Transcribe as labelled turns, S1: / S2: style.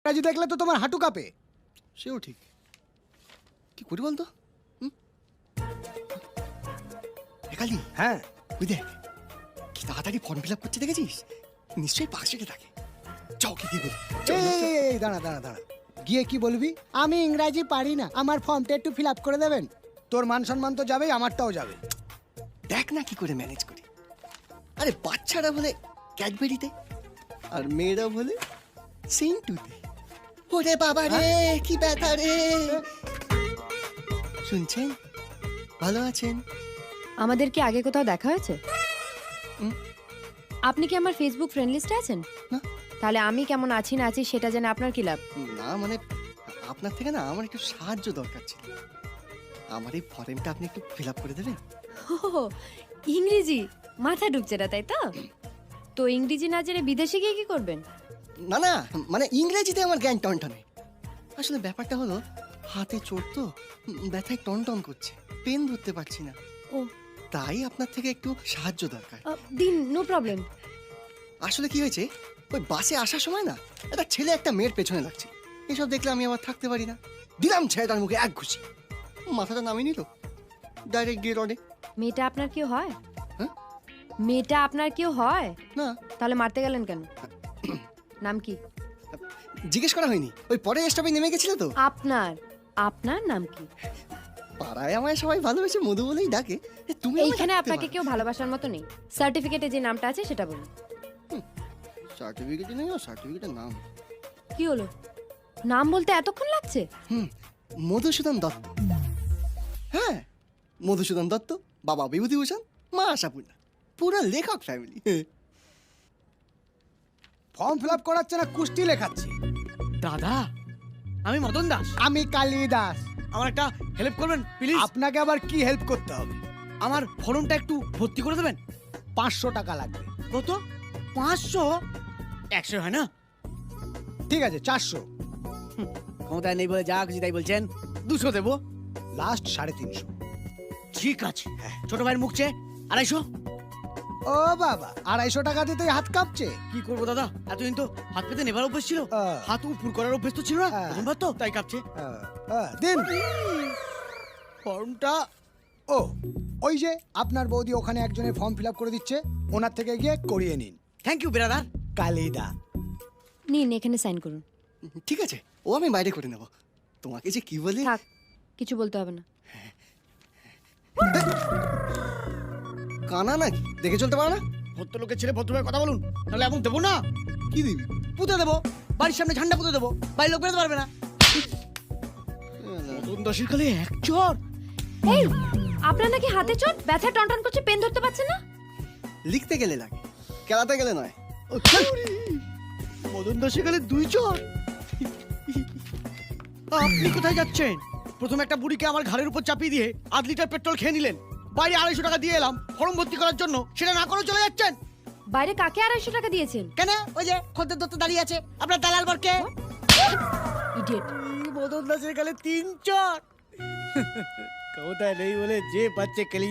S1: ইংরাজি দেখলে তো তোমার হাঁটু কাঁপে।
S2: সেও ঠিক, কি করি বলতো? কালি,
S1: হ্যাঁ
S2: ওই দেখ কি তাড়াতাড়ি ফর্ম ফিল আপ করছে, দেখেছিস? নিশ্চয়ই পাশ রেখে থাকে। যাও কি বলি।
S1: এই দাঁড়া দাঁড়া দাঁড়া, গিয়ে কি বলবি? আমি ইংরাজি পারি না, আমার ফর্মটা একটু ফিল আপ করে দেবেন। তোর মান সম্মান তো যাবেই, আমারটাও যাবে।
S2: দেখ না কি করে ম্যানেজ করি। আরে বাচ্চারা বলে ক্যাডবেরিতে, আর মেয়েরা বলে সেন্টুতে। ওরে বাবা রে, কি ব্যথা রে! শুনছেন? ভালো আছেন?
S3: আমাদের কি আগে কোথাও দেখা হয়েছে? আপনি কি আমার ফেসবুক ফ্রেন্ড লিস্টে আছেন?
S2: না।
S3: তাহলে আমি কেমন আছি না আছি সেটা জেনে আপনার কি লাভ?
S2: না মানে আপনার থেকে না আমার একটু সাহায্য দরকার ছিল। আমার এই ফর্মটা আপনি একটু ফিল আপ করে দেবেন?
S3: ও, ইংরেজি মাথা ঢুকছে না, তাই তো? তো ইংরেজি না জেনে বিদেশে গিয়ে কি করবেন?
S2: না না, মানে ইংরেজিতে আমার জ্ঞান টনটনে। আসলে ব্যাপারটা হলো হাতে চোট তো, ব্যথায় টনটন করছে, পেন ধরতে পারছি না।
S3: ও,
S2: তাই আপনার থেকে একটু সাহায্য দরকার।
S3: দিন, নো প্রবলেম।
S2: আসলে কি হয়েছে, ওই বাসে আসার সময় না একটা ছেলে একটা মেয়ের পেছনে লাগছে। এসব দেখলে আমি আবার থাকতে পারি না। দিলাম ছেলেটার মুখে এক ঘুষি, মাথাটা নামিয়ে নিল, ডাইরেক্ট গিয়ে রডে।
S3: মেয়েটা আপনার কেউ হয়?
S2: হ্যাঁ?
S3: মেয়েটা আপনার কেউ হয়?
S2: না,
S3: তাহলে মারতে গেলেন কেন? নাম কি?
S2: জিজ্ঞেস করা হয়নি, ওই পরে স্টপে নেমে গেছিল তো।
S3: আপনার আপনার নাম কি?
S2: পাড়ায় আমায় সবাই ভালোবেসে মধু বলেই ডাকে। তুমি আমায়
S3: এইখানে
S2: ডাকতে
S3: আপনাকে
S2: পারো।
S3: কেউ ভালোবাসার মতো নেই। সার্টিফিকেটে যে নামটা আছে সেটা বলুন।
S2: সার্টিফিকেটে নেই, সার্টিফিকেটের নাম
S3: কি হলো? নাম বলতে এতক্ষণ লাগছে?
S2: মধুসূদন দত্ত। হ্যাঁ, মধুসূদন দত্ত, বাবা বিভূতিভূষণ, মা আশাপূর্ণা, পুরো লেখক ফ্যামিলি।
S1: ফর্ম ফিল আপ করাচ্ছে না, কুস্তি লেখাচ্ছি।
S4: দাদা, আমি মদন দাস।
S1: আমি কালিদাস।
S4: আমার একটা হেল্প করবেন প্লিজ?
S1: আপনাকে আবার কি হেল্প করতে হবে?
S4: আমার ফর্মটা একটু ভর্তি করে দেবেন।
S1: 500 টাকা লাগবে।
S4: কত? 500? 100 হয় না?
S1: ঠিক আছে, 400।
S4: ক্ষমতায় নেই বলে যা খুশি তাই বলছেন। 200 দেবো।
S1: লাস্ট 350।
S4: ঠিক আছে, ছোট ভাইয়ের মুখ চেয়ে 250।
S1: ও বাবা, 250 টাকা দিতেই হাত কাঁপছে।
S4: কি করবো দাদা, এতদিন তো হাত পেতে নেবার অভ্যেস ছিল, হাত উপর করার অভ্যেস তো ছিল না। প্রথমবার তো তাই কাঁপছে।
S1: দিন
S4: ফর্মটা।
S1: ও, ওই যে আপনার বৌদি ওখানে একজনের ফর্ম ফিল আপ করে দিচ্ছে, ওনার থেকে গিয়ে করিয়ে নিন।
S4: Thank you brother.
S1: কালিদা।
S3: নিন, এখানে সাইন করুন।
S2: ঠিক আছে, ও আমি বাইরে করে নেব। তোমাকে যে কি বলি।
S3: থাক, কিছু বলতে হবে না।
S2: কানা নাকি, দেখে চলতে পারো না?
S4: ভদ্রলোকের ছেলে ভদ্রভাবে কথা বলুন, নাহলে এমন দেবো না।
S2: কি দিবি?
S4: পুঁতে দেবো, বাড়ির সামনে ঝান্ডা পুঁতে দেবো, বাড়ির লোক বেরোতে পারবে না। মদন দাসের কালে এক চর।
S3: এই, আপনার নাকি হাতে চোট, ব্যথা টনটন করছে, পেন ধরতে পারছেন না?
S2: লিখতে গেলে লাগে, খেলাতে গেলে নয়।
S4: মদন দাসের কালে 2 চর। আপনি কোথায় যাচ্ছেন? প্রথমে একটা বুড়িকে আমার ঘাড়ের উপর চাপিয়ে দিয়ে 8 লিটার পেট্রোল খেয়ে নিলেন। বাইরে 250 টাকা দিয়ে এলাম ফর্ম ভর্তি করার জন্য, সেটা না করে চলে যাচ্ছেন।
S3: বাইরে কাকে 250 টাকা দিয়েছেন?
S4: কেন? ওই যে খদ্দের দত্ত দাঁড়িয়ে আছে, আপনার দালাল বরকে।
S3: ইডিয়েট।
S4: মদন দাসের কালে 3 চর। ক্ষমতায় নেই বলে যে পাচ্ছে কেলি